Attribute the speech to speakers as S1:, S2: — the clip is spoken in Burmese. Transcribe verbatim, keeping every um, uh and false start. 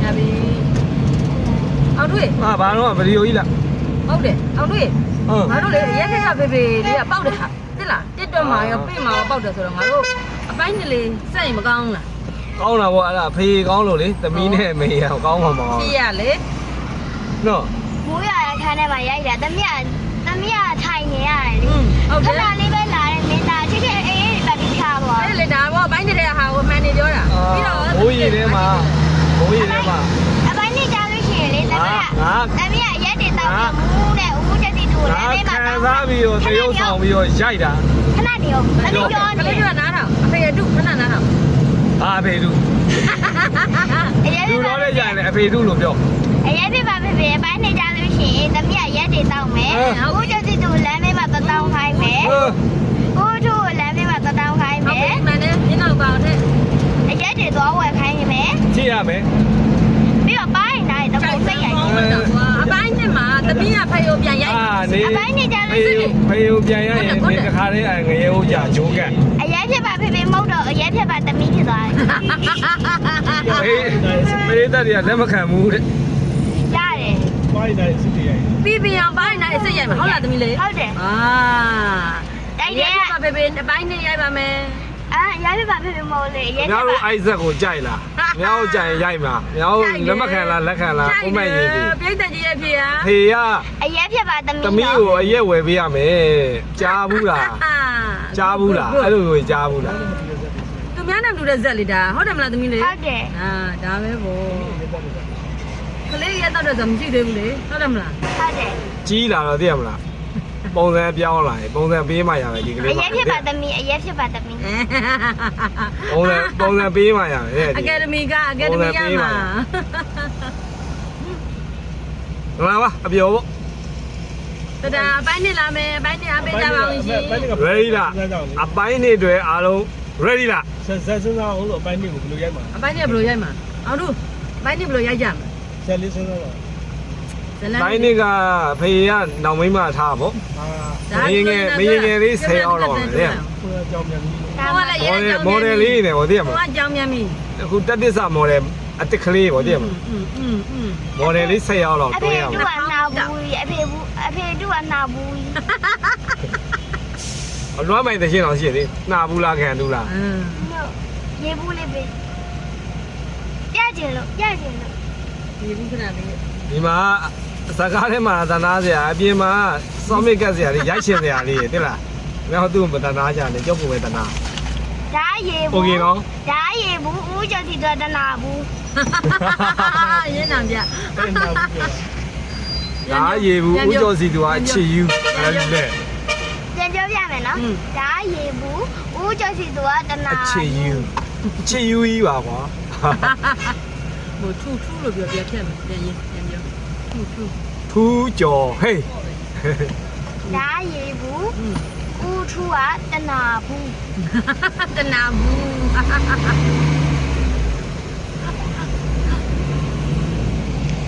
S1: ရပြီအောင်တွေ့
S2: ဟာဘာတော့ဗီဒီယိုကြီးလား
S1: ဟုတ်တယ်အောင်တွေ့
S2: ဟုတ်
S1: ငါတို့လေရက်ခက်ကဖေဖေလေးကပေါက်တယ်ဟာသိလားတစ်တွက်မှာရောပြင့်မှာရောပေါက်တယ်ဆိုတော့ငါတို့အပိုင်းကလေးစက်ရင်မကောင်းလား
S2: ကောင်းတာပေါ့အဲ့ဒါဖေးကောင်းလို့လေသမီးနဲ့မေရကောင်းမှာမကောင်း
S1: ဖြစ်ရလေ
S2: နော်
S3: မိုးရတဲ့ခန်းထဲမှာရိုက်တာတမီးတမီးကထိုင်နေရတယ်လေ
S1: ဟုတ်
S3: ခ
S1: တယ်
S3: ဏလေးပဲလာတယ်မင်းသားချစ်ချစ်အေးအေးပတ်ပြီးထားသွား
S1: အဲ့လေဒါတော့အပိုင်းတဲ့ဟာကိုမှန်နေပြောတာပြီးတော့
S2: ဘိုးရီထဲမှာဘိုးရီထဲမှာ
S3: အပိုင်းနေကြလို့ရှိရင်လေတမီးက
S2: ငါ
S3: တမီးကရက်တင်တောက်ပြမူးတဲ့ဦးချက်တီတူ
S2: ငါ
S3: လည်းလေးမှာ
S2: ခံစားပြီးတော့တရုပ်ဆောင်ပြီးတော့ရိုက်တာ
S3: ခဏနေရောတမီးပြော
S1: က
S3: နေ
S1: လေးကနားထောင်အဖေအတုခဏနားထောင်
S2: ဟာဖေးသူ
S3: အရက်
S2: လူတော်လည်းရိုက်တယ်အဖေသူလို့ပြော
S3: အရက်ပြပါဖေဖေအပိုင်းနေကြလို့ရှိရင်တမီးကရက်တင်တောက်မယ်ဦးချက်တီတူလည်းလေးမှာတောင်းခိုင်းမယ်
S2: ဟေး
S3: ဦးထူလည်းလေးမှာတောင်းခိုင်း
S1: ဟုတ်
S3: မယ်
S1: ပြီမှန်တယ်ညနောက်ပါအောင်တဲ့
S3: အရက်တင်သွားဝယ်ခိုင်းမယ်
S2: ကြည့်ရမယ်
S3: ပြီးတော့ပိုင်းနိုင်တော့ပုံစိတ်ရိုက်
S1: အပိုင်းနဲ့မှာတပင်းကဖေကိုပြန်ရိုက်
S2: အာနေ
S3: အပိုင်းနေကြလို့
S2: ဖေး
S3: ရှိရင်
S2: ဖေးကိုပြန်ရရင်ဒီတစ်ခါလေးငရေဦးကြာဂျိုးကတ်
S3: အရက်ဖြစ်ပါဖေဖေမဟုတ်တော့အရက်ဖြစ်ပါတမီးဖြစ်သွားတယ်
S2: ဖေးဖေးတက်တွေကလက်မခံဘူးတဲ့
S3: ရတယ်
S4: ပိုင်းတိုင်းစစ်တရား
S1: ပြီးပြီးအောင်ပိုင်းနဲ့အစ်စ်ရိုက်မှာဟုတ်လားသမီးလေး
S3: ဟုတ်တယ်
S1: အာ
S3: တိုက်တယ်
S1: ကဖေဖေအပိုင်းနဲ့ရိုက်ပါမယ်
S3: အာအရက်ဖြစ်ပါဖေဖေမဟုတ်လေအရက်
S2: မြော
S3: ဖြစ်
S2: က်
S3: ပါ
S2: အိုက်ဇက်ကိုကြိုက်လားမြောက်ကြိုင်ရိုက်မှာမြောက်လက်မခံလားလက်ခံလားဥမဲ့ရေးပြီ
S1: ပြိတ္တကြီးရဲ့ဖေဟာ
S2: ဖေက
S3: အရက်ဖြစ်ပါတမီး
S2: သမီးကိုအရက်ဝယ်ပေးရမယ်ကြားဘူးလားကြားဘူးလားအဲ့လိုကိုကြားဘူးလား
S1: သူများနဲ့တူတဲ့ဇက်လေးဒါဟုတ်တယ်မလားသမီးလေး
S3: ဟုတ်တယ်
S1: အာဒါပဲဗောကလေးရက်တော့တော့မရှိသေးဘူးလေဟုတ်တယ်မလား
S3: ဟုတ်တယ်
S2: ကြီးလာတော့သိရမလားပုံစံပြောင်းလာရင်ပုံစံပေးမှရမယ်ဒီက
S3: အ
S2: လေး
S3: ရက်ဖြစ်ပါတမီးအရက်ဖြစ်ပါတမီး
S2: ပုံစံပုံစံပေးမှရမယ်
S1: အကယ်ဒမီကအကယ်ဒမီရမှာ
S2: လာပါအပြောပေါ့
S1: တဒါအပိုင်းနဲ့လာမယ်အပိုင်းနဲ့အားပေးကြပါဦးရှင်
S2: ready လားအပိုင်းနေတွေအားလုံး ready လား
S4: ဆက်ဆက်စဉ်းစားအောင်လို့အပိုင်းတွေကိုဘယ်လိုရိုက်မှာ
S1: အပိုင်းနဲ့ဘယ်လိုရိုက်မှာအောင်တို့အပိုင်းနဲ့ဘယ်လိုရိုက်ကြမလဲ
S4: ဆက်လေးစဉ်းစားပါ
S1: ဇလန်
S2: တိုင်းနေကဖေကနောင်မိမထားပေါ့
S4: ဟာ
S2: မင်းငယ်မင်းငယ်လေးဆယ်အောင်တော့တယ်
S4: ကိုယ်အကြောင်းမြန်ပြီး
S1: ဟိုကလည်းရဲကြောင်း
S2: မော်ဒယ်လေးနေပေါ့သိရမ
S1: ဟို
S2: လား
S1: ကကြောင်းမြန်ပြီ
S2: အခုတက်တစ္ဆာမော်ဒယ်အတစ်ကလေးပေါ့သိရမလား
S1: อืมอืมอืม
S2: မော်ဒယ်လေးဆက်ရောက်တော့
S3: အ
S2: တွဲ
S3: ဖေ
S2: ရအောင်
S3: တူကနာဘူးအဖေဘူးအဖေတူကနာဘူး
S2: အလွမ်းမိုင်တရှင်းအောင်ရှိသေးနှာဘူးလားခံဘူးလား
S1: อืม
S3: ရေဘူးလေးပဲပြကျင်လို့ပြကျင်လို့
S1: ဒီဘူးခဏလေး
S2: ဒီမှာစကားထဲမှာသနာစရာအပြင်မှာစောမစ်ကတ်စရာလေးရိုက်ရှင်စရာလေးတိလားမြောက်သူ့မတနာကြနဲ့ကြောက်ဖို့ပဲတနာ
S3: ဒါရေဘူး
S2: โอเคနော်
S3: ဒါရေဘူးဦးကျော်တီတော့တနာဘူး
S1: ရင်းနာပြ
S4: အဲ့နောက်ပြီး
S2: ဒါရေဘူးဦးကျော်စီသူကအချစ်ယူအဲ့လက်
S3: ပြန်ပြောပြမယ်နော်ဒါရေဘူးဦးကျော်စီသူကတနာ
S2: အချစ်ယူချစ်ယူကြီးပါကွာ
S1: ဟိုထူထူလို့ပြောပြဖြတ်မယ်ပြန်ရင်ပြန်ပြောထူထူ
S2: ထူးကျော်ဟေး
S3: ဒါရေဘူးဦးထူကတနာဘူး
S1: တနာဘူး